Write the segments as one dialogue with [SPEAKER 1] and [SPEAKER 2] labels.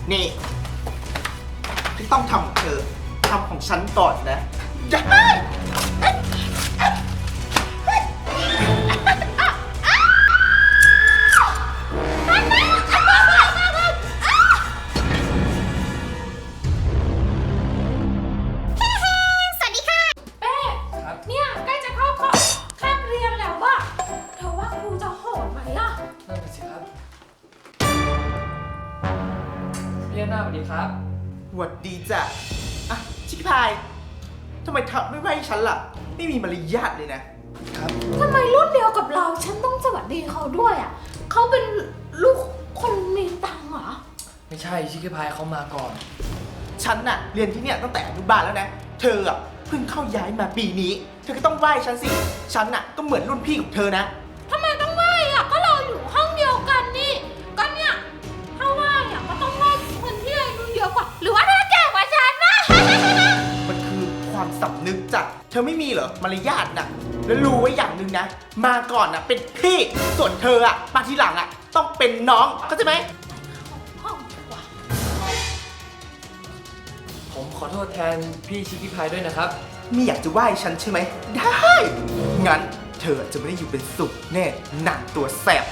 [SPEAKER 1] นี่ที่ต้องทำของเธอทำของฉันก่อนนะอย่า
[SPEAKER 2] พี่หน้าสวัสดีครับ
[SPEAKER 1] หวัดดีจ้ะอ่ะชิคกี้พายทำไมทักไม่ไหวฉันล่ะไม่มีมารยาทเลยนะครับ
[SPEAKER 3] ทำไมรุ่นเดียวกับเราฉันต้องสวัสดีเขาด้วยอ่ะเขาเป็นลูกคนมีตังค์เหรอ
[SPEAKER 2] ไม่ใช่ชิคกี้พายเขามาก่อน
[SPEAKER 1] ฉันน่ะเรียนที่เนี่ยตั้งแต่อนุบาลแล้วนะเธออ่ะเพิ่งเข้าย้ายมาปีนี้เธอก็ต้องไหว้ฉันสิฉันน่ะก็เหมือนรุ่นพี่ของเธอนะ
[SPEAKER 3] ทำไมต้องไหว้อ่ะก็เราอยู่ห้องเดียวกันนี่ก็เนี่ยถ้าไหว้อ่ะก็ต้องไหว้คนที่อายุเยอะกว่าหรือว่าถ้าแก่กว่าฉันนะ
[SPEAKER 1] มันคือความสำนึกจ้ะเธอไม่มีเหรอมารยาทน่ะแล้วรู้ไว้อย่างหนึ่งนะมาก่อนน่ะเป็นพี่ส่วนเธออ่ะมาทีหลังอ่ะต้องเป็นน้องเข้าใจไหม
[SPEAKER 2] ผมขอโทษแทนพี่ชิคกี้พายด้วยนะครับ
[SPEAKER 1] ไม่อยากจะไหว้ฉันใช่ไหมได้งั้นเธอจะไม่ได้อยู่เป็นสุขแน่หนักตัวแสบ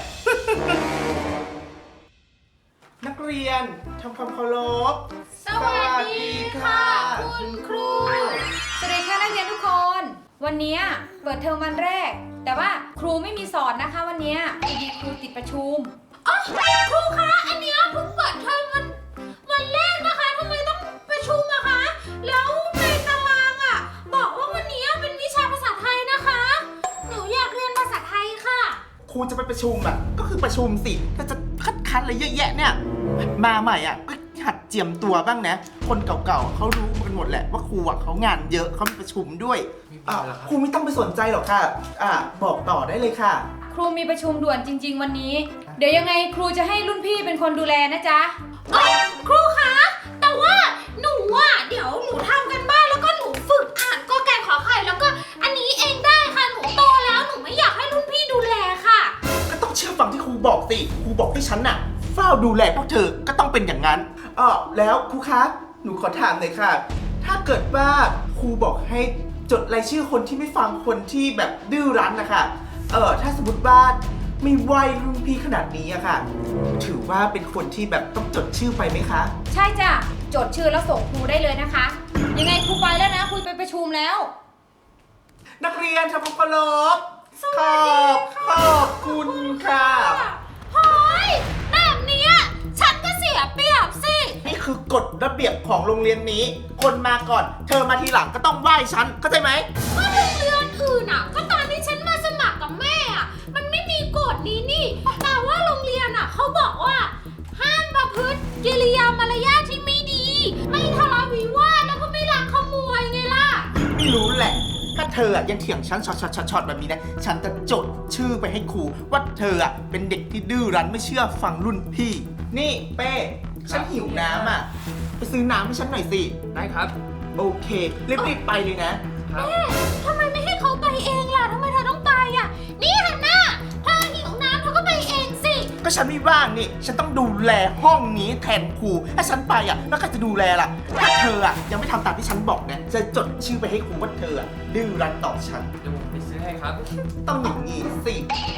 [SPEAKER 1] นักเรียนทำความเคารพ
[SPEAKER 3] สวัสดีค่ะคุณครู
[SPEAKER 4] สวัสดีค่ะนักเรียนทุกคนวันนี้เปิดเทอมวันแรกแต่ว่าครูไม่มีสอนนะคะวันนี้พอดีครูติดประชุม
[SPEAKER 3] อ๋อครูคะอันเนี้ยเพิ่งเปิดเทอมวันแรกนะคะทำไมต้องประชุมอะคะแล้วในตารางอะบอกว่าวันนี้เป็นวิชาภาษาไทยนะคะหนูอยากเรียนภาษาไทยค่ะ
[SPEAKER 1] ครูจะไปประชุมอ่ะก็คือประชุมสิถ้าจะคัดอะไรเยอะแยะเนี่ยมาใหม่อ่ะก็หัดเจียมตัวบ้างนะคนเก่าๆเขารู้กันหมดแหละว่าครูอ่ะเขางานเยอะเขามีประชุมด้วยครูไม่ต้องไปสนใจหรอกค่ะบอกต่อได้เลยค่ะ
[SPEAKER 4] ครูมีประชุมด่วนจริงๆวันนี้เดี๋ยวยังไงครูจะให้รุ่นพี่เป็นคนดูแลนะจ๊ะ
[SPEAKER 3] ครูคะแต่ว่าหนูอ่ะเดี๋ยวหนูทำกันบ้านแล้วก็หนูฝึกอ่านกอไก่ขอไข่แล้วก็อันนี้เองได้ค่ะหนูโตแล้วหนูไม่อยากให้รุ่นพี่ดูแลค่ะ
[SPEAKER 1] ก็ต้องเชื่อฟังที่ครูบอกสิครูบอกให้ฉันน่ะเฝ้าดูแลพวกเธอก็ต้องเป็นอย่างนั้นแล้วครูคะหนูขอถามหน่อยค่ะถ้าเกิดว่าครูบอกให้จดรายชื่อคนที่ไม่ฟังคนที่แบบดื้อรั้นนะคะถ้าสมมติว่าไม่ไหวรุ่นพี่ขนาดนี้อะค่ะถือว่าเป็นคนที่แบบต้องจดชื่อไปไหมคะ
[SPEAKER 4] ใช่จ้ะจดชื่อแล้วส่งครูได้เลยนะคะยังไงครูไปแล้วนะครูไปประชุมแล้ว
[SPEAKER 1] นักเรียนทำความเคารพขอบคุณค่ะ
[SPEAKER 3] เฮ้ยแบบนี้ฉันก็เสียเปรียบสิ
[SPEAKER 1] นี่คือกฎระเบียบของโรงเรียนนี้คนมาก่อนเธอมาทีหลังก็ต้องไหว้ฉันเข้าใจไหม
[SPEAKER 3] ก็โรงเรียนอื่นก็ตอนที่ฉันมาสมัครกับแม่มันไม่มีกฎนี้นี่แต่ว่าโรงเรียนเขาบอกว่าห้ามประพฤติกิริยามารยาทที่ไม่ดีไม่ทะเลาะวิวาทแล้วก็ไม่ลักขโมยไงล่ะ
[SPEAKER 1] ไม่รู้แหละถ้าเธอยังเถียงฉันช็อตแบบนี้นะฉันจะจดชื่อไปให้ครูว่าเธอเป็นเด็กที่ดื้อรั้นไม่เชื่อฟังรุ่นพี่นี่เป้ฉันหิวน้ำไปซื้อน้ำให้ฉันหน่อยสิ
[SPEAKER 2] ได้ครับ
[SPEAKER 1] โอเครีบไปเลยนะ
[SPEAKER 3] แม่ทำไมไม่ให้เขาไปเองล่ะทำไมเธอต้องไปนี่ฮันน่าเธอหิวน้ำเธอก็ไปเองสิ
[SPEAKER 1] ก็ฉันไม่ว่างนี่ฉันต้องดูแลห้องนี้แทนครูถ้าฉันไปแล้วใครจะดูแลล่ะถ้าเธอยังไม่ทำตามที่ฉันบอกเนี่ยจะจดชื่อไปให้ครูว่าเธอดื้อรั้นต่อฉัน
[SPEAKER 2] เดี๋ยวผมไปซื้อให้ครับ
[SPEAKER 1] ต้องอย่างนี้สิ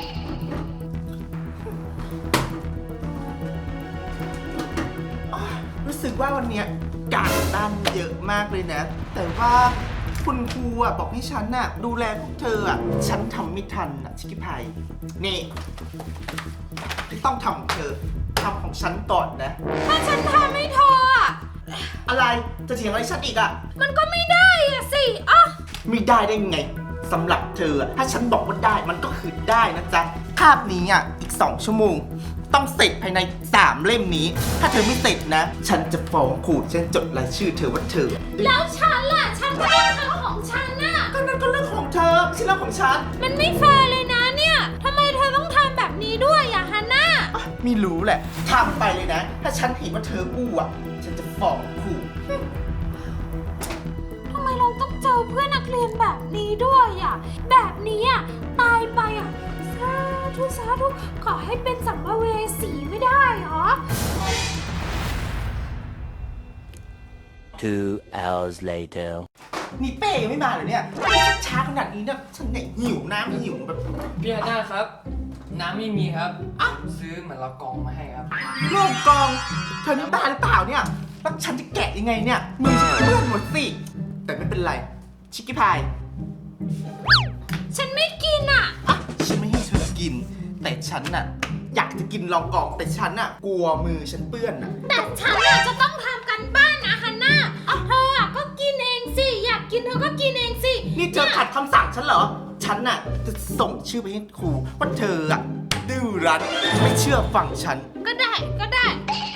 [SPEAKER 1] รู้สึกว่าวันนี้การบ้านเยอะมากเลยนะแต่ว่าคุณครูบอกให้ฉันดูแลพวกเธอฉันทำไม่ทันชิคกี้พายนี่ที่ต้องทำของเธอทำของฉันก่อนนะ
[SPEAKER 3] ถ้าฉันทำไม่พอ
[SPEAKER 1] อะไรจะเถียงอะไรฉันอีก
[SPEAKER 3] มันก็ไม่ได้สิ
[SPEAKER 1] ไม่ได้ได้ไงสำหรับเธอถ้าฉันบอกว่าได้มันก็คือได้นะจ๊ะคาบนี้อีก2 ชั่วโมงต้องเสร็จภายใน3 เล่มนี้ถ้าเธอไม่เสร็จนะฉันจะฟ้องครูฉันจดรายชื่อเธอว่าเธอ
[SPEAKER 3] แล้วฉันล่ะฉันก็ต้องทำของฉัน
[SPEAKER 1] ก็นั่นก็เรื่องของเธอไม่ใช่เรื่องของฉัน
[SPEAKER 3] มันไม่แฟร์เลยนะเนี่ยทำไมเธอต้องทำแบบนี้ด้วยฮันน่า
[SPEAKER 1] ไม่รู้แหละทำไปเลยนะถ้าฉันเห็นว่าเธออู้ฉันจะฟ้องครู
[SPEAKER 3] ทำไมเราต้องเจอเพื่อนนักเรียนแบบนี้ด้วยแบบนี้ตายไปสาธุขอให้เป็นสัมภเวสีไม่ได้หรอ
[SPEAKER 5] 2 hours later.
[SPEAKER 1] นี่เป้ยังไม่มาเลยเนี่ยนี่ช้าขนาดนี้เนี่ยฉันเนี่ยหิวน้ำหิวแบบ
[SPEAKER 2] พี่ฮันน่าครับ น้ำไม่มีครับ
[SPEAKER 1] อ่ะ
[SPEAKER 2] ซื้อเหมือนละกองมาให้ครับ
[SPEAKER 1] โลกกองเธอนี่บ้าหรือเปล่าเนี่ยแล้วฉันจะแกะยังไงเนี่ยมือฉันเปื้อนหมดสิแต่ไม่เป็นไรชิคกี้พาย
[SPEAKER 3] ฉันไม่กินอ่ะ
[SPEAKER 1] อ่ะฉันไม่ให้เธอกิน แต่ฉันน่ะอยากจะกินลองกองแต่ฉันน่ะกลัวมือฉันเปื้อนน่ะ
[SPEAKER 3] แต่ฉันอะจะต้องทำกันบ้านนะฮันน่าเธออะก็กินเองสิ อยากกินเธอก็กินเองสิ
[SPEAKER 1] นี่เธอขัดคำสั่งฉันเหรอฉันน่ะจะส่งชื่อไปให้ครูว่าเธออ่ะดื้อรั้นไม่เชื่อฟังฉัน
[SPEAKER 3] ก็ได้ก็ได้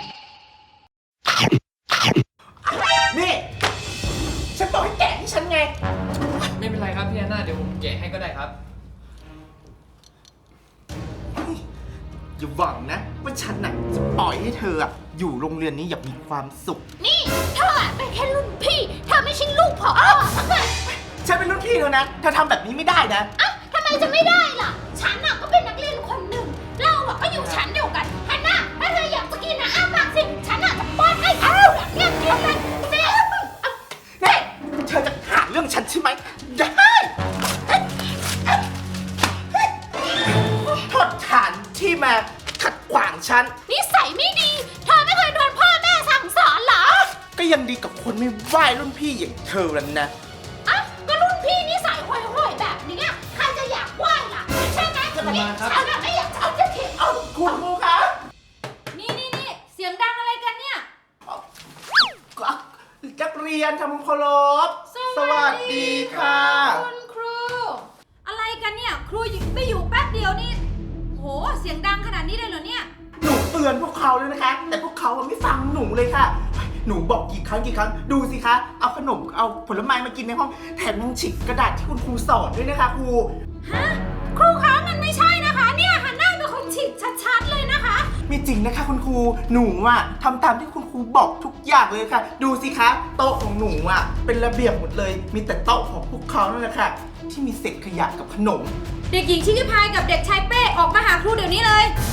[SPEAKER 1] นี่ฉันบอกให้แกะที่ฉันไง
[SPEAKER 2] ไม่เป็นไรครับพี่ฮันน่าเดี๋ยวผมแกะให้ก็ได้ครับ
[SPEAKER 1] อย่าหวังนะว่าฉันน่ะจะปล่อยให้เธออะอยู่โรงเรียนนี้อย่างมีความสุข
[SPEAKER 3] นี่เธออะเป็นแค่รุ่นพี่ เธอไม่ใช่ลูกผอ
[SPEAKER 1] ฉันเป็นรุ่นพี่เธอนะเธอทำแบบนี้ไม่ได้นะ
[SPEAKER 3] อ่ะทำไมจะไม่ได้ล่ะ ฉันอะก็เป็นนักเรียนคนหนึ่ง เราอะก็อยู่ชั้นเดียวกันฮันน่าถ้าเธออยากจะกินนะอ้าปากสิ ฉันอะจะป้อนให้เธอแบบเนี้ยกินเลยสิ
[SPEAKER 1] นี่เธอจะหาเรื่องฉันใช่ไหมได้โทษฐานที่มาขัดขวางฉัน
[SPEAKER 3] นิสัยไม่ดี เธอไม่เคยโดนพ่อแม่สั่งสอนเหรอ
[SPEAKER 1] ก็ยังดีกับคนไม่ไหวรุ่นพี่อย่างเธอแล้วนะ
[SPEAKER 3] อ่ะก็รุ่นพี่นิสัยห่วยๆแบบนี้ใครจะอยากไหว้ล่ะใช่ไหม
[SPEAKER 2] จะมาครับ
[SPEAKER 3] ฉันอะไม่อยากจะเอาจะเถียง
[SPEAKER 1] เอาคุณครูคะ
[SPEAKER 4] นี่เสียงดังอะไรกันเนี่ย
[SPEAKER 1] นักเรียนทำเคารพสวัสดีค่ะ
[SPEAKER 4] คุณครู อะไรกันเนี่ย ครูไม่อยู่แป๊บเดียวนี่โหเสียงดังขนาดนี้เลยเหรอเนี่ย
[SPEAKER 1] หนูเตือนพวกเขาเลยนะคะ แต่พวกเขาไม่ฟังหนูเลยค่ะ หนูบอกกี่ครั้งดูสิคะ เอาขนมเอาผลไม้มากินในห้องแถมยังฉีกกระดาษที่คุณครูสอนด้วยนะคะครู
[SPEAKER 3] ฮะครูคะมันไม่ใช่นะคะ เนี่ยฮันน่าเป็นคนฉีกชัดๆเลยนะคะ
[SPEAKER 1] ไม่จริงนะคะคุณครูหนูอะทำตามที่คุณครูบอกทุกอย่างเลยค่ะ ดูสิคะโต๊ะของหนูอะเป็นระเบียบหมดเลย มีแต่โต๊ะของพวกเขานั่นแหละค่ะที่มีเศษขยะกับขนม
[SPEAKER 4] เด็กหญิงชิคกี้พายกับเด็กชายเป้ออกมาหาครูเดี๋ยวนี้เลย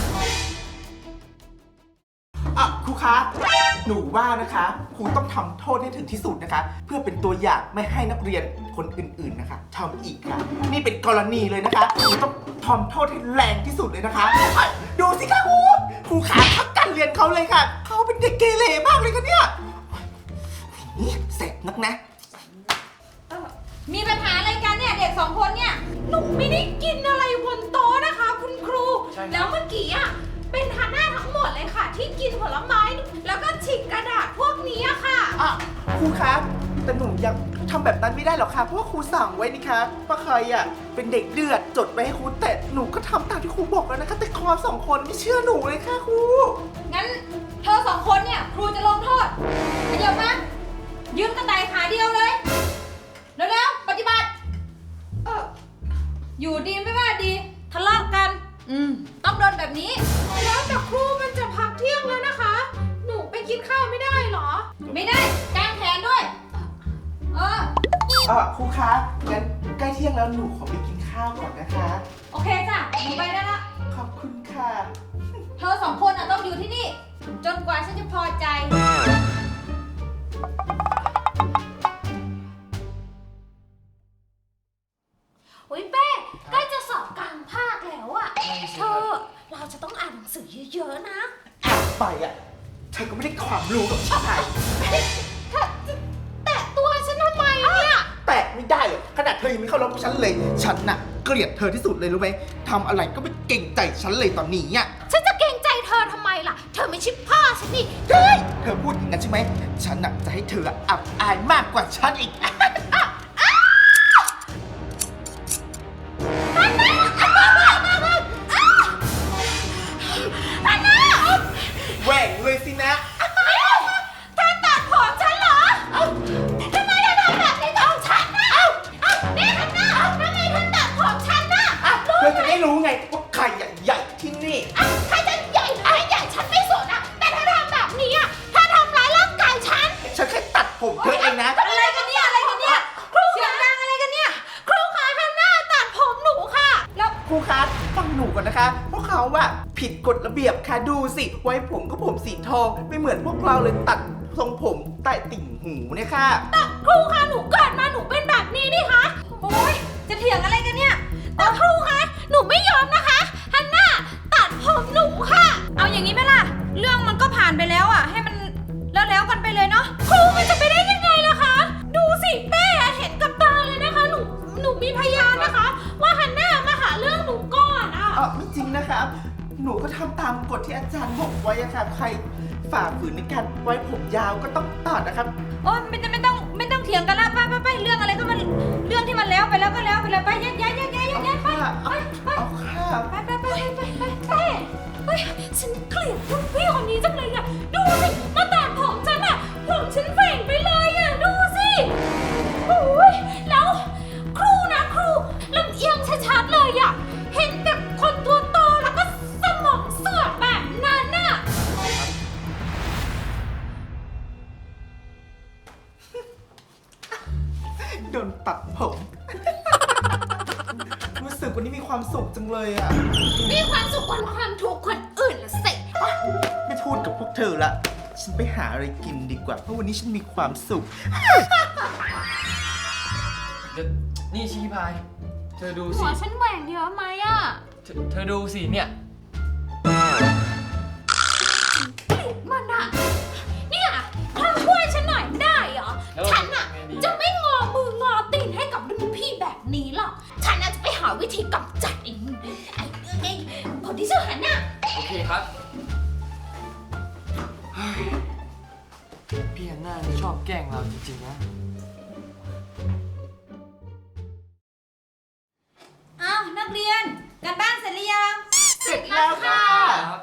[SPEAKER 1] ครูคะหนูว่านะคะครูต้องทำโทษให้ถึงที่สุดนะคะ เพื่อเป็นตัวอย่างไม่ให้นักเรียนคนอื่นๆนะคะทำอีกค่ะ นี่เป็นกรณีเลยนะคะครูต้องทำโทษให้แรงที่สุดเลยนะคะดูสิคะครูขาพักการเรียนเขาเลยค่ะเขาเป็นเด็กเกเรมากเลยค่ะเนี่ยนี่เสร็จนักนะ
[SPEAKER 4] มีปัญหาอะไรกันเนี่ยเด็กสองคนเนี่ย
[SPEAKER 3] หนูไม่ได้กินอะไรบนโต๊ะนะคะ คุณครู
[SPEAKER 2] ใช่ครับ
[SPEAKER 3] แล้วเมื่อกี้อะเป็นฮันน่าทั้งหมดเลยค่ะ ที่กินผลไม้ แล้วก็ฉีกกระดาษพวกนี้อะค่ะ
[SPEAKER 1] ครูคะแต่หนูยังทำแบบนั้นไม่ได้หรอกค่ะเพราะว่าครูสั่งไว้นี่คะว่าใครอ่ะเป็นเด็กเดือดจดไปให้ครูแต่หนูก็ทำตามที่ครูบอกแล้วนะคะแต่คอสองคนไม่เชื่อหนูเลยค่ะครู
[SPEAKER 4] งั้นเธอสองคนเนี่ยครูจะลงโทษเดี๋ยวมายืมกระต่ายขาเดียวเลยเร็วๆปฏิบัติอยู่ดีไม่ว่าดีทะเลาะกันต้องโดนแบบนี้
[SPEAKER 3] แล้วแต่ครูมันจะพักเที่ยงแล้วนะคะ หนูไปกินข้าวไม่ได้เหรอ
[SPEAKER 4] ไม่ได้กางแขนด้วยเออ
[SPEAKER 1] ครูคะงั้นใกล้เที่ยงแล้วหนูขอไปกินข้าวก่อนนะคะ
[SPEAKER 4] โอเคจ้ะหนูไปได้ละ
[SPEAKER 1] ขอบคุณค่ะ
[SPEAKER 4] เธอสองคนต้องอยู่ที่นี่ จนกว่าฉันจะพอใจ
[SPEAKER 3] อุ้ยเป้ใกล้จะสอบกลางภาคแล้วอะเธอ เราจะต้องอ่านหนังสือเยอะๆนะ
[SPEAKER 1] ไปอ่ะเธอก็ไม่ได้ความรู้กับชาย
[SPEAKER 3] แต่ตัวฉันทำไมเนี่ย
[SPEAKER 1] แตะไม่ได้เลยขนาดเธอยังไม่เข้ารบกับฉันเลยฉันน่ะเกลียดเธอที่สุดเลยรู้ไหมทำอะไรก็ไม่เก่งใจฉันเลยตอนนี้อ่ะ
[SPEAKER 3] ฉันจะเกรงใจเธอทำไมล่ะ เธอไม่ใช่พ่อฉันนี่
[SPEAKER 1] เฮ้ยเธอพูดอย่างนั้นใช่ไหมฉันน่ะจะให้เธออับอายมากกว่าฉันอีก แหว่งเลยสินะ
[SPEAKER 3] เธอตัดผมฉันเหรอทำไมเธอทำแบบนี้กับฉันน่ะนี่ฮันน่าทำไมเธอตัดผมฉันน่ะ
[SPEAKER 1] เธอจะได้รู้ไงว่าใครใหญ่ที่นี่
[SPEAKER 3] ใครจะใหญ่หรือไม่ใหญ่ฉันไม่สนอะแต่เธอทำแบบนี้อะเธอทำร้ายร่างกายฉัน
[SPEAKER 1] ฉันแค่ตัดผมเธอเองนะ
[SPEAKER 4] อะไรกันเนี่ยอะไรกันเนี่ยเสียงดังอะไรกันเนี่ย
[SPEAKER 3] ครูคะฮันน่าตัดผมหนูค่ะ
[SPEAKER 4] แล้ว
[SPEAKER 1] ครูคะฟังหนูก่อนนะคะพวกเขาอะผิดกฎระเบียบค่ะดูสิไว้ผมก็ผมสีทองไม่เหมือนพวกเราเลยตัดทรงผมใต้ติ่งหูหูเนี่ยค่ะ
[SPEAKER 3] แต่ครูคะหนูเกิดมาหนูเป็นแบบนี้นี่คะ
[SPEAKER 4] โอ้ยจะเถียงอะไรกันเนี่ย
[SPEAKER 3] แต่ครูคะหนูไม่ยอมนะคะฮันน่าตัดผมหนูค่ะ
[SPEAKER 4] เอาอย่างนี้ไหมล่ะ เรื่องมันก็ผ่านไปแล้วอ่ะ ให้มันแล้วกันไปเลยเนาะ
[SPEAKER 3] ครูมันจะไปได้ยังไงล่ะคะ ดูสิเป้เห็นกับตาเลยนะคะ หนูมีพยานนะคะ ว่าฮันน่ามาหาเรื่องหนูก่อนอ่ะ
[SPEAKER 1] ไม่จริงนะครับ หนูก็ทำตามกฎที่อาจารย์บอกไว้อะค่ะใครฝ่าฝืนในการไว้ผมยาวก็ต้องตัดนะครับ
[SPEAKER 4] โอ้ยไม่ต้องเถียงกันละไปเรื่องอะไรก็มันเรื่องที่มันแล้วไปแล้วก็แล้วไปเลยไปแยกย้ายไป
[SPEAKER 1] เอาค่ะ
[SPEAKER 4] ไป
[SPEAKER 3] เป้เฮ้ยฉันเกลียดรุ่นพี่คนนี้จังเลยอ่ะ ดูสิมาตัดผมฉันอ่ะผมฉันแหว่งไปเลยอ่ะ ดูสิโอ้ยแล้วครูนะครูลำเอียงชัดๆเลยอ่ะ เห็นแบบคนตัวโตแล้วก็สมองเสื่อมแบบนั้นน่ะ
[SPEAKER 1] โดนตัดผม รู้สึกวันนี้มีความสุขจังเลยอ่ะ
[SPEAKER 3] มีความสุขกว่าความทุกข์คนอื่นละสิ
[SPEAKER 1] ไม่พูดกับพวกเธอละ ฉันไปหาอะไรกินดีกว่า เพราะวันนี้ฉันมีความสุข
[SPEAKER 2] เดี๋ยวนี่ชิคกี้พาย เธอดู
[SPEAKER 3] หั
[SPEAKER 2] สิ
[SPEAKER 3] วฉันแหว่งเยอะไหมอ่ะ
[SPEAKER 2] เธอดูสิเนี่ย
[SPEAKER 3] มันอะเนี่ยเธอช่วยฉันหน่อยไม่ได้เหรอ
[SPEAKER 2] แล้ว
[SPEAKER 3] ฉันอะ
[SPEAKER 2] ไงดี
[SPEAKER 3] จะไม่งอมืองอตีนให้กับรุ่นพี่แบบนี้หรอก ฉันอะจะไปหาวิธีกำจัดไอ้คนที่ชื่อฮันน่ะ
[SPEAKER 2] โอเคครับเฮ้ยพี่ฮันน่านี่ชอบแกล้งเราจริงๆนะ
[SPEAKER 4] อ้าวนักเรียนการบ้านเสร็จหรือยัง
[SPEAKER 3] เสร็จแล้วค่ะ
[SPEAKER 2] ครับ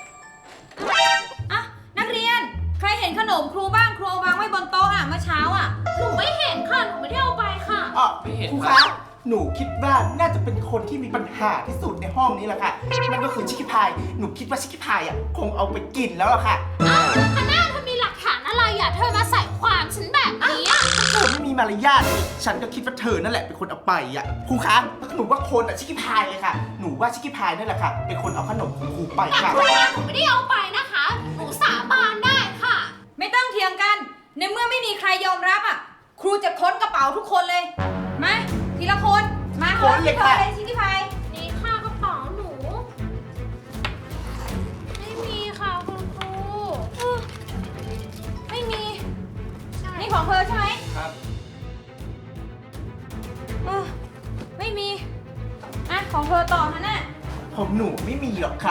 [SPEAKER 4] อ่ะนักเรียนใครเห็นขนมครูบ้างครูเอาวางไว้บนโต๊ะอ่ะเมื่อเช้าอ่ะ
[SPEAKER 3] หนูไม่เห็นค่ะ หนูไม่ได้เอาไปค่ะ
[SPEAKER 2] ไม่เห็น
[SPEAKER 1] ครู
[SPEAKER 2] ครั
[SPEAKER 1] คะ
[SPEAKER 2] บ
[SPEAKER 1] หนูคิดว่าน่าจะเป็นคนที่มีปัญหาที่สุดในห้องนี้แหละค่ะ นั่นก็คือชิคกี้พาย หนูคิดว่าชิคกี้พายอ่ะคงเอาไปกินแล้วล่ะค่ะ
[SPEAKER 3] อ้าวฮันน่าเธอมีหลักฐานอะไรอะเธอมาใส่ความฉันแบบนี้อะ
[SPEAKER 1] เธอไม่มีมารยาทฉันก็คิดว่าเธอนั่นแหละเป็นคนเอาไปอ่ะ ครูคะหนูว่าคนอ่ะชิคกี้พายเลยค่ะ หนูว่าชิคกี้พายนั่นแหละค่ะ เป็นคนเอาขนมของครูไป
[SPEAKER 3] แต่
[SPEAKER 1] ค่ะ
[SPEAKER 3] ครูว่าหนูไม่ได้เอาไปนะคะ หนูสาบานได้ค่ะ
[SPEAKER 4] ไม่ต้องเถียงกัน ในเมื่อไม่มีใครยอมรับอ่ะ ครูจะค้นกระเป๋าทุกคนเลย มาทีละคน มา
[SPEAKER 1] ค้นเลยค่ะ
[SPEAKER 4] เลยชิคกี้พาย
[SPEAKER 3] นี่ค่ะกระเป๋าหนู ไม่มีค่ะคุณครู
[SPEAKER 4] ไม่มี
[SPEAKER 3] ใช่
[SPEAKER 4] นี่ของเธอใช่ไหม
[SPEAKER 2] ครับ
[SPEAKER 4] ไม่มี อ่ะ ของเธอต่อฮะน่ะ
[SPEAKER 1] ผมหนูไม่มีหรอกค่ะ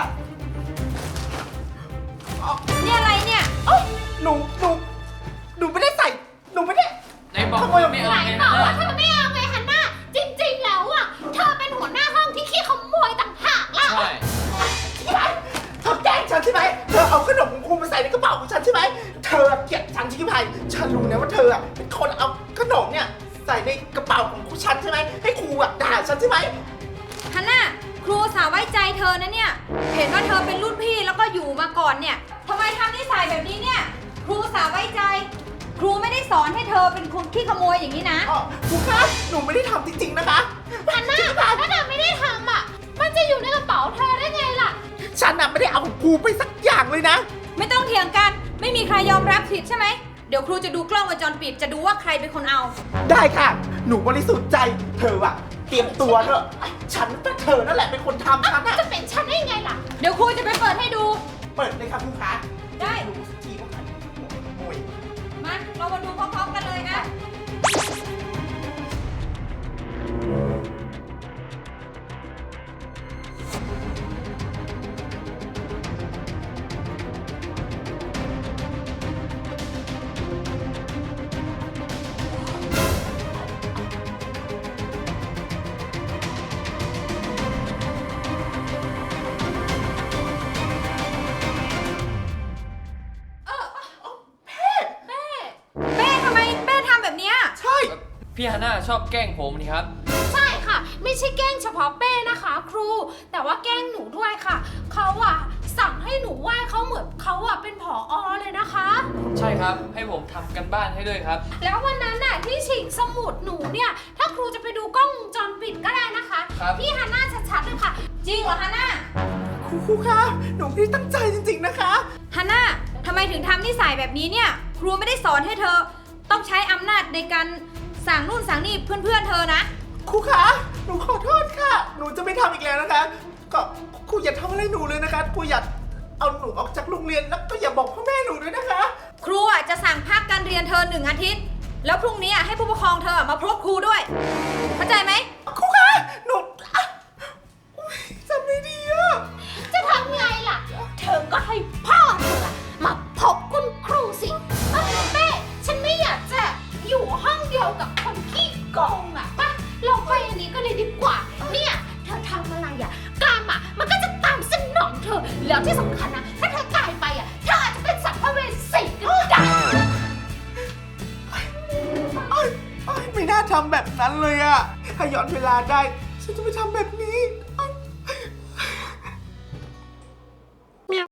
[SPEAKER 4] นี่อะไรเนี่ย
[SPEAKER 1] หนูไม่ได้ใส่ หนูไม่ได้
[SPEAKER 2] ไหนบอก
[SPEAKER 1] ขโมย
[SPEAKER 2] ไม่เอา
[SPEAKER 3] ไหน
[SPEAKER 2] ไง
[SPEAKER 3] บ
[SPEAKER 2] นะ
[SPEAKER 3] อกว่าเธอไม่เอาไงฮันน่าจริงๆแล้วอ่ะ เธอเป็นหัวหน้าห้องที่ขี้ขโมยต่างหากล่ะ
[SPEAKER 2] ใช่
[SPEAKER 1] เธอแกล้งฉันใช่ไหม เธอเอาขนมของครูมาใส่ในกระเป๋าของฉันใช่ไหม เธอเกลียดฉันชิคกี้พาย ฉันรู้นะว่าเธอเป็นคนเอาขนมเนี่ยใส่ในกระเป๋าของครูฉันใช่ไหม ให้ครูด่าฉันใช่ไหม
[SPEAKER 4] ฮันน่าครูสาวไว้ใจเธอนะเนี่ย เห็นว่าเธอเป็นรุ่นพี่แล้วก็อยู่มาก่อนเนี่ยทำไมทำนิสัยแบบนี้เนี่ย ครูสาวไว้ใจ ครูไม่ได้สอนให้เธอเป็นคนขี้ขโมยอย่างนี้นะ
[SPEAKER 1] ครูคะหนูไม่ได้ทำจริงๆนะคะ
[SPEAKER 3] ฮันน่าถ้าเธอไม่ได้ทำอ่ะ มันจะอยู่ในกระเป๋าเธอได้ไงล่ะ
[SPEAKER 1] ฉันไม่ได้เอาของครูไปสักอย่างเลยนะ
[SPEAKER 4] ไม่ต้องเถียงกัน ไม่มีใครยอมรับผิดใช่ไหม เดี๋ยวครูจะดูกล้องวงจรปิดจะดูว่าใครเป็นคนเอา
[SPEAKER 1] ได้ค่ะ หนูบริสุทธิ์ใจ เธอเตรียมตัวเถอะ ฉันว่าเธอนั่นแหละเป็นคนทำฉัน
[SPEAKER 3] จะเป็นฉันได้ไงล่ะ
[SPEAKER 4] เดี๋ยวครูจะไปเปิดให้ดู
[SPEAKER 1] เปิดเลยค่ะครูคะ
[SPEAKER 4] ได้
[SPEAKER 1] ดูสักทีว่าใครขโมย
[SPEAKER 4] มาเรามาดูพร้อมๆกันเลยนะ เป้ทำไมเป้ทำแบบเนี้ย
[SPEAKER 1] ใช่
[SPEAKER 2] พี่ฮันน่าชอบแกล้งผมนี่ครับ
[SPEAKER 3] ใช่ค่ะ ไม่ใช่แกล้งเฉพาะเป้นะคะ ครู แต่ว่าแกล้งหนูด้วยค่ะ เขาสั่งให้หนูไหว้เขาเหมือนเขาเป็นผอ.เลยนะคะ
[SPEAKER 2] ใช่ครับ ให้ผมทำกันบ้านให้ด้วยครับ
[SPEAKER 3] แล้ววันนั้นน่ะที่ฉีกสมุดหนูเนี่ย ถ้าครูจะไปดูกล้องวงจรปิดก็ได้นะคะ
[SPEAKER 2] ครับ
[SPEAKER 3] พี่ฮันน่าชัดๆเลยค่ะ
[SPEAKER 4] จริงเหรอฮันน่า
[SPEAKER 1] ครูคะหนูไม่ได้ตั้งใจจริงๆนะคะ
[SPEAKER 4] ฮันน่าทำไมถึงทำนิสัยแบบนี้เนี่ย ครูไม่ได้สอนให้เธอต้องใช้อำนาจในการสั่งนู่นสั่งนี่เพื่อนๆเธอนะ
[SPEAKER 1] ครูคะหนูขอโทษค่ะ หนูจะไม่ทำอีกแล้วนะคะ ก็ครูอย่าทำอะไรหนูเลยนะคะครูอย่าเอาหนูออกจากโรงเรียนแล้วก็อย่าบอกพ่อแม่หนูด้วยนะคะ
[SPEAKER 4] ครูอ่ะจะสั่งพักการเรียนเธอ1 อาทิตย์ แล้วพรุ่งนี้อ่ะให้ผู้ปกครองเธอมาพบครูด้วย เข้าใจไหม
[SPEAKER 1] ครูคะหนูอ่ะอุ๊ยทำไม่ดีอะ
[SPEAKER 3] จะทำไงล่ะ เธอก็ให้พ่อเธออะมาพบคุณครูสิแม่ฉันไม่อยากจะอยู่ห้องเดียวกับคนขี้โกงอะป่ะเราไปอันนี้ก็เลยดีกว่า เนี่ยเธอทำอะไรอะกรรมอะมันก็จะตามสนองเธอ แล้วที่สำคัญนะ ถ้าเธอตายไปอะเธออาจจะเป็นสัมภเวสีก็ได้
[SPEAKER 1] อ้ายไม่น่าทำแบบนั้นเลยอะถ้าย้อนเวลาได้ ฉันจะไม่ทำแบบนี้